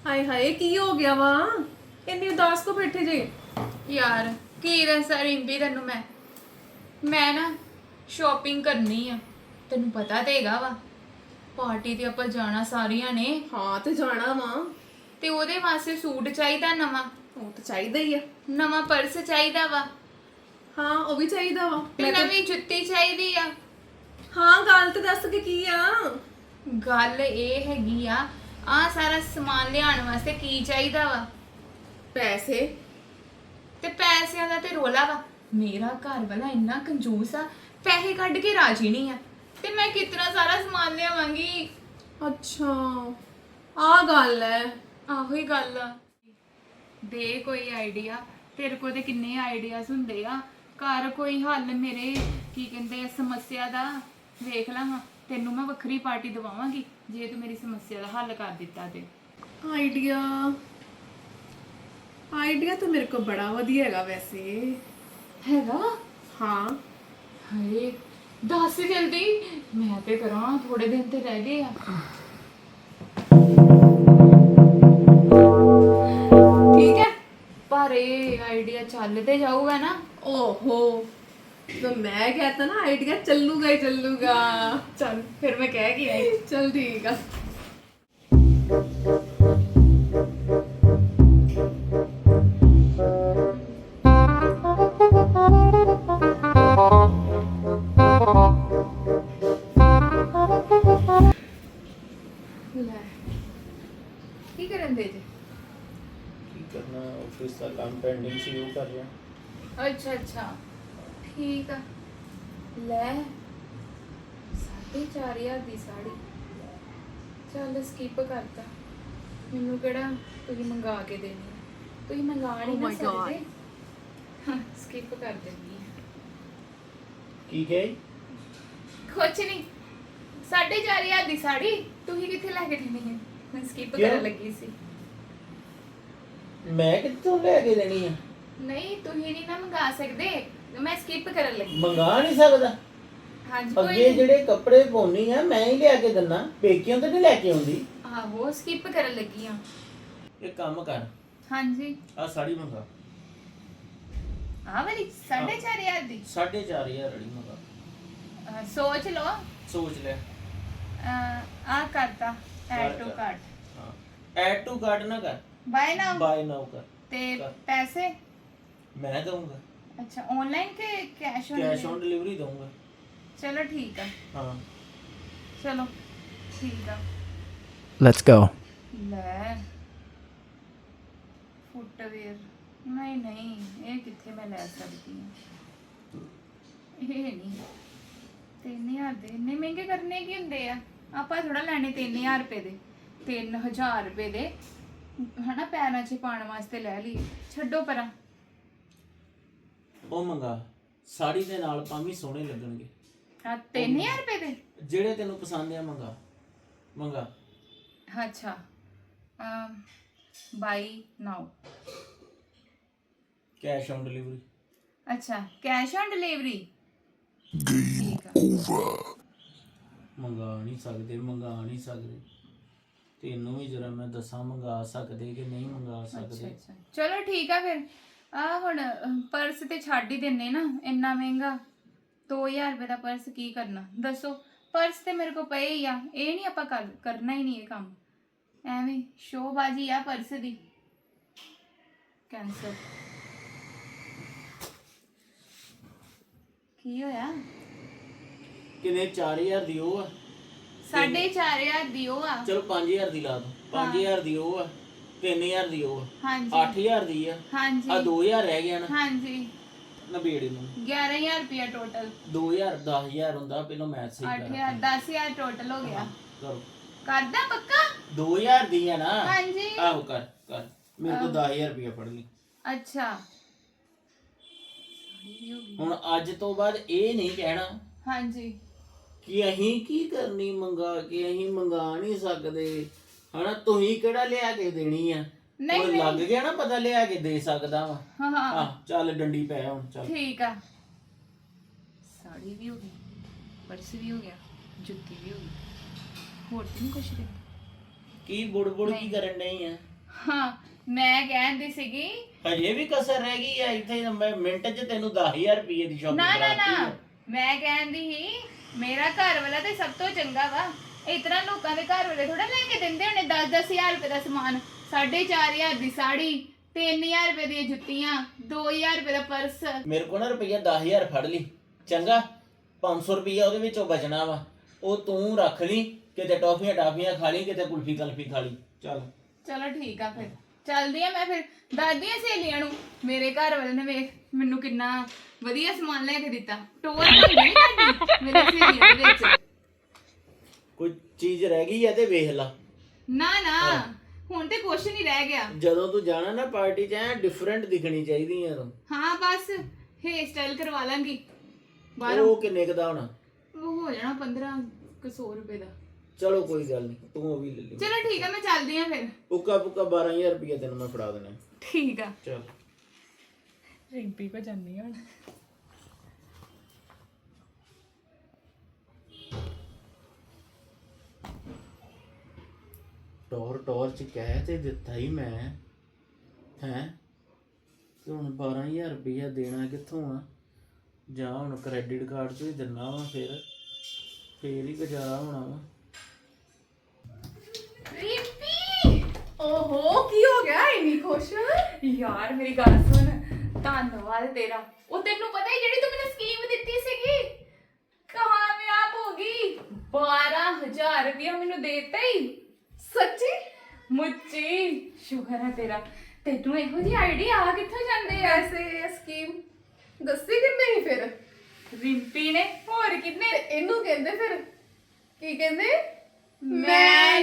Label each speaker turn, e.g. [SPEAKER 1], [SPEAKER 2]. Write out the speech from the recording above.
[SPEAKER 1] ਹਾਏ ਹਾਏ ਕੀ ਹੋ ਗਿਆ ਵਾ ਇੰਨੀ ਉਦਾਸ ਕੋ ਬੈਠੇ ਜੇ?
[SPEAKER 2] ਯਾਰ ਕੀ ਦੱਸਾਂ ਰਿੰਪੀ ਤੈਨੂੰ ਮੈਂ ਨਾ ਸ਼ਾਪਿੰਗ ਕਰਨੀ ਆ। ਤੈਨੂੰ ਪਤਾ ਤੇ ਹੈਗਾ ਵਾ ਪਾਰਟੀ ਤੇ ਆਪਾਂ ਜਾਣਾ ਸਾਰੀਆਂ ਨੇ,
[SPEAKER 1] ਹਾਂ ਤੇ ਜਾਣਾ ਵਾ।
[SPEAKER 2] ਤੇ ਉਹਦੇ ਵਾਸਤੇ ਸੂਟ ਚਾਹੀਦਾ ਨਵਾਂ,
[SPEAKER 1] ਉਹ ਤਾਂ ਚਾਹੀਦਾ ਹੀ ਆ।
[SPEAKER 2] ਨਵਾਂ ਪਰਸ ਚਾਹੀਦਾ ਵਾ,
[SPEAKER 1] ਹਾਂ ਉਹ ਵੀ ਚਾਹੀਦਾ ਵਾ।
[SPEAKER 2] ਤੇ ਨਵੀਂ ਜੁੱਤੀ ਚਾਹੀਦੀ ਆ।
[SPEAKER 1] ਹਾਂ ਗੱਲ ਤੇ ਦੱਸ ਕੇ ਕੀ ਆ?
[SPEAKER 2] ਗੱਲ ਇਹ ਹੈਗੀ ਆ ਸਾਰਾ ਸਮਾਨ ਲਿਆਉਣ ਵਾਸਤੇ ਕੀ ਚਾਹੀਦਾ ਵਾ?
[SPEAKER 1] ਪੈਸੇ।
[SPEAKER 2] ਤੇ ਪੈਸਿਆਂ ਦਾ ਤੇ ਰੋਲਾ ਵਾ। ਮੇਰਾ ਘਰ ਵਾਲਾ ਇੰਨਾ ਕੰਜੂਸ ਆ, ਪੈਸੇ ਕੱਢ ਕੇ ਰਾਜੀ ਨਹੀਂ ਆ, ਤੇ ਮੈਂ ਕਿਤਨਾ ਸਾਰਾ ਸਮਾਨ ਲਿਆਵਾਂਗੀ?
[SPEAKER 1] ਅੱਛਾ ਆ ਗੱਲ ਹੈ।
[SPEAKER 2] ਆਹੋ ਹੀ ਗੱਲ ਆ। ਦੇ ਕੋਈ ਆਈਡੀਆ, ਤੇਰੇ ਕੋਲ ਤੇ ਕਿੰਨੇ ਆਈਡੀਆਜ਼ ਹੁੰਦੇ ਆ। ਘਰ ਕੋਈ ਹੱਲ ਮੇਰੇ ਕੀ ਕਹਿੰਦੇ ਆ ਸਮੱਸਿਆ ਦਾ ਵੇਖ ਲਾ। ਹਾਂ ਤੈਨੂੰ ਮੈਂ ਵੱਖਰੀ ਪਾਰਟੀ ਦਵਾਵਾਂਗੀ ਜੇ ਤੂੰ ਮੇਰੀ ਸਮੱਸਿਆ ਦਾ ਹੱਲ ਕਰ ਦਿੱਤਾ ਤੇ।
[SPEAKER 1] ਆਈਡੀਆ ਆਈਡੀਆ ਤਾਂ ਮੇਰੇ ਕੋਲ ਬੜਾ ਵਧੀਆ ਹੈਗਾ ਵੈਸੇ।
[SPEAKER 2] ਹੈਗਾ?
[SPEAKER 1] ਹਾਂ
[SPEAKER 2] ਹਾਏ ਦੱਸ ਜਲਦੀ, ਮੈਂ ਤੇ ਕਰਾਂ, ਥੋੜੇ ਦਿਨ ਤੇ ਰਹਿ ਗਏ ਆ।
[SPEAKER 1] ਠੀਕ ਹੈ
[SPEAKER 2] ਪਰ ਇਹ ਆਈਡੀਆ ਚੱਲ ਤੇ ਜਾਊਗਾ ਨਾ?
[SPEAKER 1] ਓਹੋ ਤਾਂ ਮੈਂ ਕਹਤਾ ਨਾ ਆਈਡੀਆ ਚੱਲੂਗਾ ਹੀ ਚੱਲੂਗਾ।
[SPEAKER 2] ਚੱਲ ਫਿਰ ਮੈਂ ਕਹਿ ਕੇ ਆਈ।
[SPEAKER 1] ਚਲ ਠੀਕ ਆ।
[SPEAKER 2] ਲੈ ਕੀ ਕਰਨ ਦੇ ਜੇ?
[SPEAKER 3] ਕੀ ਕਰਨਾ, ਆਫਿਸ ਦਾ ਕੰਮ ਪੈਂਡਿੰਗ ਸੀ ਉਹ ਕਰ ਰਿਹਾ।
[SPEAKER 2] ਅੱਛਾ ਠੀਕ ਆ। ਲੈ 4,500 ਦੀ ਸਾੜੀ, ਚੱਲ ਸਕਿਪ ਕਰਤਾ। ਮੈਨੂੰ ਕਿਹੜਾ ਤੁਸੀਂ ਮੰਗਾ ਕੇ ਦੇਣੀ ਆ, ਤੁਸੀਂ ਮੰਗਾ ਨਹੀਂ
[SPEAKER 1] Oh
[SPEAKER 2] ਨਾ
[SPEAKER 1] my God.
[SPEAKER 2] ਸਕਦੇ। ਸਕਿਪ ਕਰ ਦਿੰਦੀ ਆ।
[SPEAKER 3] ਕੀ ਕਹੇ?
[SPEAKER 2] ਕੁਛ ਨਹੀਂ, 4,500 ਦੀ ਸਾੜੀ ਤੁਸੀਂ ਕਿੱਥੇ ਲੈ ਕੇ ਦੇਣੀ ਹੈ? ਮੈਂ ਸਕਿਪ
[SPEAKER 3] ਕਿਉਂ?
[SPEAKER 2] ਕਰਨ ਲੱਗੀ ਸੀ।
[SPEAKER 3] ਮੈਂ ਕਿੱਥੋਂ ਲੈ ਕੇ ਦੇਣੀ ਆ?
[SPEAKER 2] ਨਹੀਂ ਤੁਸੀਂ ਨਹੀਂ ਨਾ ਮੰਗਾ ਸਕਦੇ, ਮੈਂ ਸਕਿਪ ਕਰਨ ਲੱਗੀ।
[SPEAKER 3] ਮੰਗਾ ਨਹੀਂ ਸਕਦਾ।
[SPEAKER 2] ਹਾਂਜੀ ਕੋਈ
[SPEAKER 3] ਅੱਗੇ
[SPEAKER 2] ਨਹੀਂ।
[SPEAKER 3] ਜਿਹੜੇ ਕੱਪੜੇ ਪਾਉਣੀ ਆ ਮੈਂ ਹੀ ਲਿਆ ਕੇ ਦਿੰਨਾ, ਪੇਕਿਆਂ ਤੋਂ ਨਹੀਂ ਲੈ ਕੇ ਆਉਂਦੀ।
[SPEAKER 2] ਆਹੋ ਸਕਿਪ ਕਰਨ ਲੱਗੀ ਆ।
[SPEAKER 3] ਇਹ ਕੰਮ ਕਰ,
[SPEAKER 2] ਹਾਂਜੀ
[SPEAKER 3] ਆ ਸਾੜੀ ਮੰਗਾ।
[SPEAKER 2] ਆ ਵਾਲੀ 4,500 ਦੀ
[SPEAKER 3] 4,500 ਵਾਲੀ ਮੰਗਾ।
[SPEAKER 2] ਸੋਚ ਲਓ।
[SPEAKER 3] ਸੋਚ ਲੈ।
[SPEAKER 2] ਆ ਕਰਤਾ ਐਡ ਟੂ
[SPEAKER 3] ਕਰ।
[SPEAKER 2] ਕਾਰਟ।
[SPEAKER 3] ਹਾਂ ਐਡ ਟੂ ਕਾਰਟ ਨਾ ਕਰ,
[SPEAKER 2] ਬਾਏ ਨਾਓ।
[SPEAKER 3] ਬਾਏ ਨਾਓ ਕਰ।
[SPEAKER 2] ਤੇ
[SPEAKER 3] ਕਰ।
[SPEAKER 2] ਪੈਸੇ?
[SPEAKER 3] ਮੈਂ ਦਊਂਗਾ,
[SPEAKER 2] ਅੱਛਾ ਆਨਲਾਈਨ ਕੇ cash on?
[SPEAKER 3] Cash on delivery ਦਊਂਗਾ।
[SPEAKER 2] ਚਲੋ ਠੀਕ ਆ।
[SPEAKER 3] ਹਾਂ
[SPEAKER 2] ਚਲੋ ਠੀਕ ਆ।
[SPEAKER 4] Let's go.
[SPEAKER 2] ਲੈ ਫੁੱਟਵੇਅਰ ਨਹੀਂ ਇਹ ਕਿੱਥੇ ਮੈਂ ਲੈ ਸਕਦੀ ਹਾਂ? ਇਹ ਨਹੀਂ 3,000 ਦੇ ਇੰਨੇ ਮਹਿੰਗੇ ਕਰਨੇ ਕੀ ਹੁੰਦੇ ਆ? ਆਪਾਂ ਥੋੜਾ ਲੈਣੇ 3,000 ਰੁਪਏ ਦੇ, 3,000 ਰੁਪਏ ਦੇ ਹਨਾ ਪੈਰਾਂ 'ਚ ਪਾਉਣ ਵਾਸਤੇ ਲੈ ਲਈ। ਛੱਡੋ ਪਰਾਂ।
[SPEAKER 3] ਉਹ ਮੰਗਾ, ਸਾੜੀ ਦੇ ਨਾਲ ਭਾਵੇਂ ਸੋਹਣੇ ਲੱਗਣਗੇ।
[SPEAKER 2] 3,000 ਰੁਪਏ ਦੇ?
[SPEAKER 3] ਜਿਹੜੇ ਤੈਨੂੰ ਪਸੰਦ ਆ ਮੰਗਾ।
[SPEAKER 2] ਅੱਛਾ buy now.
[SPEAKER 3] Cash on delivery.
[SPEAKER 2] ਅੱਛਾ ਕੈਸ਼ ਔਨ ਡਿਲੀਵਰੀ। ਠੀਕ ਆ।
[SPEAKER 3] ਮੰਗਾ ਨਹੀਂ ਸਕਦੇ। ਤੈਨੂੰ ਵੀ ਜਰਾ ਮੈਂ ਦੱਸਾਂ ਮੰਗਾ ਸਕਦੇ ਕਿ ਨਹੀਂ ਮੰਗਾ ਸਕਦੇ।
[SPEAKER 2] ਅੱਛਾ ਚਲੋ ਠੀਕ ਆ ਫਿਰ। ਹੁਣ ਪਰਸ ਤੇ ਛੱਡ ਹੀ ਦਿੰਨੇ ਨਾ, ਇੰਨਾ ਮਹਿੰਗਾ 2,000 ਰੁਪਏ ਦਾ ਪਰਸ ਕੀ ਕਰਨਾ ਦੱਸੋ? ਪਰਸ ਤੇ ਮੇਰੇ ਕੋਲ ਪਏ ਹੀ ਆ, ਇਹ ਨਹੀਂ ਆਪਾਂ ਕਰਨਾ ਹੀ ਨਹੀਂ ਇਹ ਕੰਮ। ਐਵੇਂ ਸ਼ੋਬਾਜੀ ਆ ਪਰਸ ਦੀ। ਕੈਂਸਲ। ਕੀ ਹੋਇਆ?
[SPEAKER 3] ਕਿਨੇ 4,000 ਦੀ ਉਹ ਆ,
[SPEAKER 2] 4,500 ਦੀ ਉਹ ਆ।
[SPEAKER 3] ਚਲੋ 5,000 ਦੀ ਲਾ ਦੋ। 5,000 ਦੀ ਉਹ ਆ, 3,000 ਦੀ ਉਹ ਆ,
[SPEAKER 2] ਹਾਂਜੀ
[SPEAKER 3] 8,000 ਦੀ ਆ।
[SPEAKER 2] ਹਾਂਜੀ
[SPEAKER 3] ਆ 2,000 ਰਹਿ ਗਿਆ ਨਾ,
[SPEAKER 2] ਹਾਂਜੀ
[SPEAKER 3] ਨਬੇੜੇ ਨੂੰ।
[SPEAKER 2] 11,000 ਰੁਪਇਆ ਟੋਟਲ।
[SPEAKER 3] 2,000 10,000 ਹੁੰਦਾ, ਪਹਿਲਾਂ ਮੈਥ ਸਹੀ
[SPEAKER 2] 8,000 10,000 ਟੋਟਲ ਹੋ ਗਿਆ।
[SPEAKER 3] ਕਰੋ।
[SPEAKER 2] ਕਰਦਾ ਪੱਕਾ?
[SPEAKER 3] 2,000 ਦੀ ਆ ਨਾ?
[SPEAKER 2] ਹਾਂਜੀ
[SPEAKER 3] ਆਹੋ ਕਰ ਮੇਰੇ ਕੋਲ 10,000 ਰੁਪਇਆ ਫੜ ਲਈ।
[SPEAKER 2] ਅੱਛਾ
[SPEAKER 3] ਹੁਣ ਅੱਜ ਤੋਂ ਬਾਅਦ ਇਹ ਨਹੀਂ ਕਹਿਣਾ
[SPEAKER 2] ਹਾਂਜੀ
[SPEAKER 3] ਕਿ ਅਸੀਂ ਕੀ ਕਰਨੀ ਮੰਗਾ ਕੇ, ਅਸੀਂ ਮੰਗਾ ਨਹੀਂ ਸਕਦੇ ਹਨਾ। ਤੁਸੀਂ ਕਿਹੜਾ ਲਿਆ ਕੇ ਦੇਣੀ ਆ?
[SPEAKER 2] ਨਹੀਂ,
[SPEAKER 3] ਹੁਣ ਲੱਗ ਗਿਆ ਨਾ ਪਤਾ, ਲਿਆ ਕੇ ਦੇ ਸਕਦਾ ਵਾ।
[SPEAKER 2] ਹਾਂ ਹਾਂ
[SPEAKER 3] ਚੱਲ ਡੰਡੀ ਪੈ ਹੁਣ ਚੱਲ।
[SPEAKER 2] ਠੀਕ ਆ। ਸਾੜੀ ਵੀ ਹੋ ਗਈ, ਪਰਸ ਵੀ ਹੋ ਗਿਆ, ਜੁੱਤੀ ਵੀ ਹੋ ਗਈ, ਹੋਰ ਤਾਂ ਨਹੀਂ ਕੁਛ ਰਹਿੰਦਾ।
[SPEAKER 3] ਕੀ ਬੁੜ ਕੀ ਕਰਨ ਡਈ ਆ?
[SPEAKER 2] ਹਾਂ ਮੈਂ ਕਹਿੰਦੀ ਸੀਗੀ
[SPEAKER 3] ਹਜੇ ਵੀ ਕਸਰ ਰਹਿ ਗਈ ਆ ਇੱਥੇ ਮੈਂ ਮਿੰਟ 'ਚ ਤੈਨੂੰ 10000 ਰੁਪਏ ਦੀ ਸ਼ਾਪਿੰਗ
[SPEAKER 2] ਨਾ ਨਾ
[SPEAKER 3] ਕਰਾਤੀ
[SPEAKER 2] ਨਾ
[SPEAKER 3] ਆ।
[SPEAKER 2] ਮੈਂ ਕਹਿੰਦੀ ਸੀ ਮੇਰਾ ਘਰ ਵਾਲਾ ਤੇ ਸਭ ਤੋਂ ਚੰਗਾ ਵਾ ਇਤਨਾ ਲੋਕਾਂ ਦੇ ਘਰ ਵਾਲੇ ਥੋੜਾ ਲੈ ਕੇ ਦਿੰਦੇ ਹੋਣੇ 10-10000 ਰੁਪਏ ਦਾ ਸਮਾਨ 4500 ਦੀ ਸਾੜੀ 3000 ਰੁਪਏ ਦੀਆਂ ਜੁੱਤੀਆਂ 2000 ਰੁਪਏ ਦਾ ਪਰਸ
[SPEAKER 3] ਮੇਰੇ ਕੋਲ ਨਾ ਰੁਪਈਆ 10000 ਫੜ ਲਈ ਚੰਗਾ 500 ਰੁਪਈਆ ਉਹਦੇ ਵਿੱਚੋਂ ਬਚਣਾ ਵਾ ਉਹ ਤੂੰ ਰੱਖ ਲਈ ਕਿਤੇ ਟਾਫੀਆਂ ਖਾ ਲਈ ਕਿਤੇ ਕੁਲਫੀ ਕਲਫੀ ਖਾ ਲਈ ਚੱਲ
[SPEAKER 2] ਚਲੋ ਠੀਕ ਆ ਫਿਰ ਚੱਲਦੀ ਆ ਮੈਂ ਫਿਰ ਦੱਸਦੀ ਆ ਸਹੇਲੀਆਂ ਨੂੰ ਮੇਰੇ ਘਰ ਵਾਲੇ ਨੇ ਵੇਖ ਮੈਨੂੰ ਕਿੰਨਾ ਵਧੀਆ ਸਮਾਨ ਲੈ ਕੇ ਦਿੱਤਾ ਟੋਰ ਬਣ ਗਈ ਤੁਹਾਡੀ ਮੇਰੇ ਸਹੇਲੀਆਂ ਦੇ ਵਿੱਚ
[SPEAKER 3] ਕੋਈ ਚੀਜ਼ ਰਹਿ ਗਈ ਆ ਤੇ ਵੇਖ ਲਾ
[SPEAKER 2] ਨਾ ਨਾ ਹੁਣ ਤੇ ਕੁਛ ਨਹੀਂ ਰਹਿ ਗਿਆ
[SPEAKER 3] ਜਦੋਂ ਤੂੰ ਜਾਣਾ ਨਾ ਪਾਰਟੀ 'ਚ ਐ ਡਿਫਰੈਂਟ ਦਿਖਣੀ ਚਾਹੀਦੀ ਆ ਤੂੰ
[SPEAKER 2] ਹਾਂ ਬਸ ਹੇਅਰ ਸਟਾਈਲ ਕਰਵਾ ਲਾਂਗੀ ਬਾਹਰੋਂ
[SPEAKER 3] ਉਹ ਕਿੰਨੇ ਕੁ ਦਾ ਹੋਣਾ
[SPEAKER 2] ਉਹ ਹੋ ਜਾਣਾ 1500 ਰੁਪਏ ਦਾ
[SPEAKER 3] ਚਲੋ ਕੋਈ ਗੱਲ ਨਹੀਂ ਤੂੰ ਉਹ ਵੀ ਲੈ ਲਈ
[SPEAKER 2] ਚਲੋ ਠੀਕ ਆ ਮੈਂ ਚੱਲਦੀ ਆ ਫਿਰ
[SPEAKER 3] ਪੁੱਕਾ 12000 ਰੁਪਏ ਤੈਨੂੰ ਮੈਂ ਫੜਾ ਦੇਣਾ
[SPEAKER 2] ਠੀਕ ਆ
[SPEAKER 3] ਚਲ
[SPEAKER 2] ਰਿੰਪੀ ਕੋ ਜਾਂਦੀ ਹੁਣ
[SPEAKER 3] ਟੌਰ ਚ ਕਹਿ ਤੇ ਦਿੱਤਾ ਹੀ ਮੈਂ ਹੈ ਤੇ ਹੁਣ 12000 ਰੁਪਇਆ ਦੇਣਾ ਕਿੱਥੋਂ ਆ ਜਾਂ ਹੁਣ ਕ੍ਰੈਡਿਟ ਕਾਰਡ ਤੋਂ ਹੀ ਦਿੰਨਾ ਵਾ ਫੇਰ ਹੀ ਗੁਜ਼ਾਰਾ ਹੋਣਾ ਵਾ
[SPEAKER 2] ਰਿੰਪੀ
[SPEAKER 1] ਓਹੋ ਕੀ ਹੋ ਗਿਆ ਇੰਨੀ ਖੁਸ਼
[SPEAKER 2] ਯਾਰ ਮੇਰੀ ਗੱਲ ਸੁਣ ਧੰਨਵਾਦ ਤੇਰਾ ਉਹ ਤੈਨੂੰ ਪਤਾ ਹੀ ਜਿਹੜੀ ਤੂੰ ਮੈਨੂੰ ਸਕੀਮ ਦਿੱਤੀ ਸੀਗੀ ਕਾਮਯਾਬ ਹੋ ਗਈ 12000 ਰੁਪਇਆ ਮੈਨੂੰ ਦੇਤਾ ਹੀ
[SPEAKER 1] ਸੱਚੀ
[SPEAKER 2] ਮੁੱਚੀ ਸ਼ੁਕਰ ਹੈ ਤੇਰਾ ਤੈਨੂੰ ਇਹੋ ਜਿਹੀ ਆਈਡੀਆ ਆ ਕਿੱਥੋਂ ਜਾਂਦੇ ਆ
[SPEAKER 1] ਐਸੇ ਸਕੀਮ ਦੱਸੀ ਕਿੰਨੇ ਹੀ ਫਿਰ
[SPEAKER 2] ਰਿੰਪੀ ਨੇ ਹੋਰ ਕਿੰਨੇ
[SPEAKER 1] ਤੇ ਇਹਨੂੰ ਕਹਿੰਦੇ ਫਿਰ ਕੀ ਕਹਿੰਦੇ
[SPEAKER 2] ਮੈਂ